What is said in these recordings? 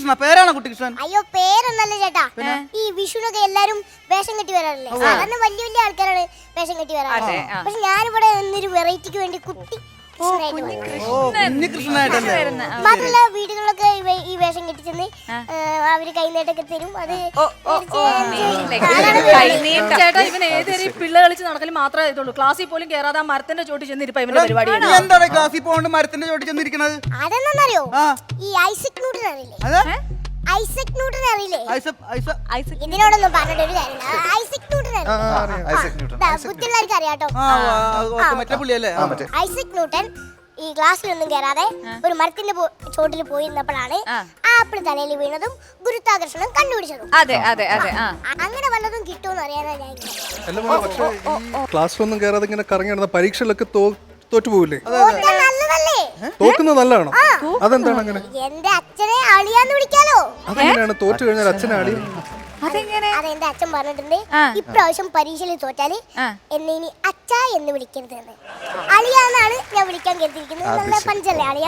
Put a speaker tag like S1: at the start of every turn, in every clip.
S1: കുട്ടിക്കൃഷ്ണ പേരാണോ കുട്ടിക്കൃഷ്ണൻ?
S2: അയ്യോ പേരൊന്നല്ല ചേട്ടാ. ഈ വിഷുനൊക്കെ എല്ലാരും വേഷം കെട്ടി വരാറില്ലേ? സാധാരണ വലിയ വലിയ ആൾക്കാരാണ് വേഷം കെട്ടി വരാറ്. പക്ഷെ ഞാനിവിടെ നിന്നൊരു വെറൈറ്റിക്ക് വേണ്ടി കുട്ടി മാത്രല്ല വീടുകളിലൊക്കെ ഈ വേഷം കെട്ടിച്ചെന്ന് അവര് കൈനീട്ടൊക്കെ തരും. അത്
S3: ചേട്ടാ ഇവൻ ഏതൊരു പിള്ള കളിച്ച് നടക്കലും മാത്രമേ ഇതുള്ളൂ. ക്ലാസ്സിൽ പോലും കേറാതെ ആ മരത്തിന്റെ ചോട്ടി ചെന്നിരിപ്പ ഇവന്റെ പരിപാടി.
S1: എന്താണ് ക്ലാസ്സിൽ പോകണ്ട് മരത്തിന്റെ ചോട്ടി ചെന്നിരിക്കണത്?
S2: അതെന്നറിയോ? ഈ ഐസക് ന്യൂട്ടൻ അറിയില്ലേ? ഐസക് ന്യൂട്ടൻ അറിയില്ലേ? ഇതിനോടൊന്നും പറഞ്ഞിട്ട് ഒരു കാര്യമില്ല. ഐസക് ന്യൂട്ടൻ ബുദ്ധിയുള്ളവർക്ക് അറിയാട്ടോ. ഐസക് ന്യൂട്ടൻ ഈ ഗ്ലാസ്സിലൊന്നും കയറാതെ ഒരു മരത്തിന്റെ ചോട്ടിൽ പോയിരുന്നപ്പോഴാണ് ആപ്പിൾ തലയിൽ വീണതും ഗുരുത്വാകർഷണം കണ്ടുപിടിച്ചതും. അങ്ങനെ വല്ലതും കിട്ടുമെന്ന് അറിയാനാ ഞാൻ.
S4: ക്ലാസ്സിലൊന്നും കയറാതെ ഇങ്ങനെ കറങ്ങി നടന്ന പരീക്ഷയിലൊക്കെ തോറ്റുപോകില്ലേ?
S2: നല്ലതല്ലേ?
S4: തോക്കുന്നത് നല്ലതാണോ? അതെന്താണ് അങ്ങനെ?
S2: എന്റെ അച്ഛനെ അളിയാന്ന് വിളിക്കാലോ.
S4: അതെങ്ങനെയാണ് തോറ്റു കഴിഞ്ഞാൽ അച്ഛനെ അളി?
S2: അതെന്റെ അച്ഛൻ പറഞ്ഞിട്ടുണ്ട്. ഇപ്രാവശ്യം പരീക്ഷയിൽ തോറ്റാല് എന്നെ ഇനി അച്ഛ എന്ന് വിളിക്കരുത് എന്ന്. അളിയാന്നാണ് ഞാൻ വിളിക്കാൻ കരുതിയിരിക്കുന്നത്. നല്ല പഞ്ചല്ലേ അളിയാ?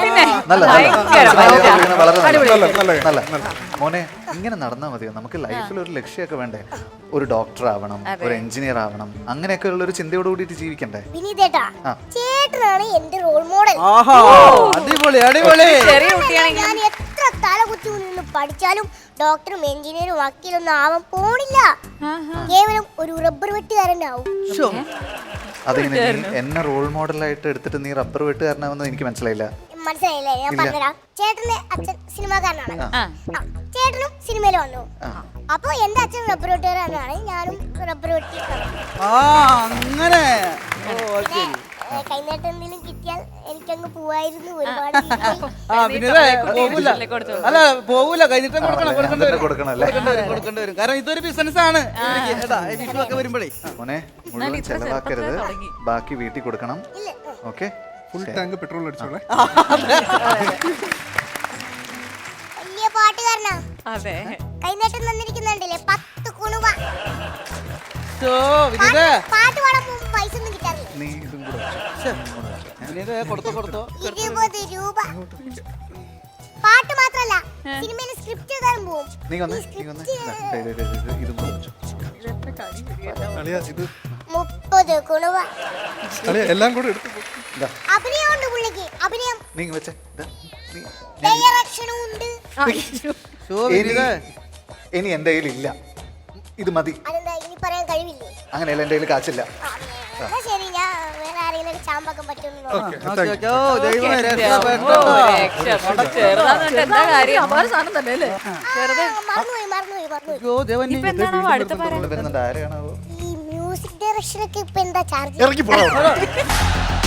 S5: മോനെ ഇങ്ങനെ നടന്നാൽ മതിയോ? നമുക്ക് ലൈഫിൽ ഒരു ലക്ഷ്യമൊക്കെ വേണ്ടേ? ഒരു ഡോക്ടർ ആവണം, ഒരു എഞ്ചിനീയർ ആവണം, അങ്ങനെയൊക്കെ ഉള്ള ഒരു ചിന്തയോട് കൂടിയിട്ട് ജീവിക്കണ്ടേ?
S2: വിനീതേട്ടാ, ചേട്ടനാണ് എന്റെ റോൾ മോഡൽ. ഞാൻ എത്ര തല കുത്തി നിന്ന് പഠിച്ചാലും ഡോക്ടറും എഞ്ചിനീയറും വക്കീലൊന്നും ആവാൻ പോണില്ല. കേവലം ഒരു റബ്ബർ വെട്ടുകാരനാവും.
S5: അതിങ്ങനെ എന്നെ റോൾ മോഡലായിട്ട് എടുത്തിട്ട് നീ റബ്ബർ വെട്ടുകാരനാവുന്നത് എനിക്ക് മനസ്സിലായില്ല.
S2: മനസ്സിലായില്ലേ? ഞാൻ പറഞ്ഞുതരാം. ചേട്ടന്റെ അച്ഛൻ സിനിമാക്കാരനാണ്. ചേട്ടനും സിനിമയിൽ വന്നു. അപ്പൊ എന്റെ അച്ഛൻ റബ്ബർ വെട്ടുകാരനാണ്, ഞാനും റബ്ബർ വെട്ടി. കൈനീട്ടം എന്തെങ്കിലും കിട്ടിയാൽ എനിക്കങ്ങ് പോവായിരുന്നു. ഒരുപാട്
S1: പോകൂല. കൈനീട്ടം കൊടുക്കേണ്ടി വരും. കാരണം ഇതൊരു ബിസിനസ് ആണ്. വരുമ്പോഴേ
S5: മോനെ മുഴുവൻ ചെലവാക്കരുത്, ബാക്കി വീട്ടിൽ കൊടുക്കണം. ഓക്കെ,
S4: ഫുൾ ടാങ്ക് പെട്രോൾ അടിച്ചോളെ.
S2: വലിയ പാട്ടുകാരനാ. കൈനീട്ടം തന്നിരിക്കുന്നുണ്ടല്ലേ 10 കുണുവ. പാട്ട് പാടാൻ പോകുമ്പോ പൈസ ഒന്നും കിട്ടാറില്ല.
S5: നീ ഇതും കൂടെ
S2: 20 രൂപ. പാട്ട് മാത്രല്ല, സിനിമയിൽ സ്ക്രിപ്റ്റ് എഴുതാൻ പോവും.
S5: നീ വന്ന് ഇതും കൂടെ വെച്ചോ.
S2: 30 കുണുവ.
S4: എല്ലാം കൂടെ എടുത്തു.
S2: അഭിനയമുണ്ട് പുള്ളിക്ക്. അഭിനയം
S5: നീ വെച്ചേ.
S2: ഡയറക്ഷനും ഉണ്ട്.
S5: ഇനി എന്റെ കയ്യിലില്ല, ഇത് മതി.
S2: അതെന്താ ഇനി പറയാൻ കഴിവില്ലേ?
S5: അങ്ങനെയല്ല, എന്റെ കയ്യിൽ കാച്ചില്ല.
S2: ശരി, ഞാൻ വേറെ ആരെങ്കിലും ചാമ്പാക്കാൻ പറ്റുമെന്ന്
S5: ആരെയാണോ?
S2: ഈ മ്യൂസിക് ഡയറക്ഷനൊക്കെ ഇപ്പൊ എന്താ ചാർജ്?
S4: ഇറക്കി പോകാം.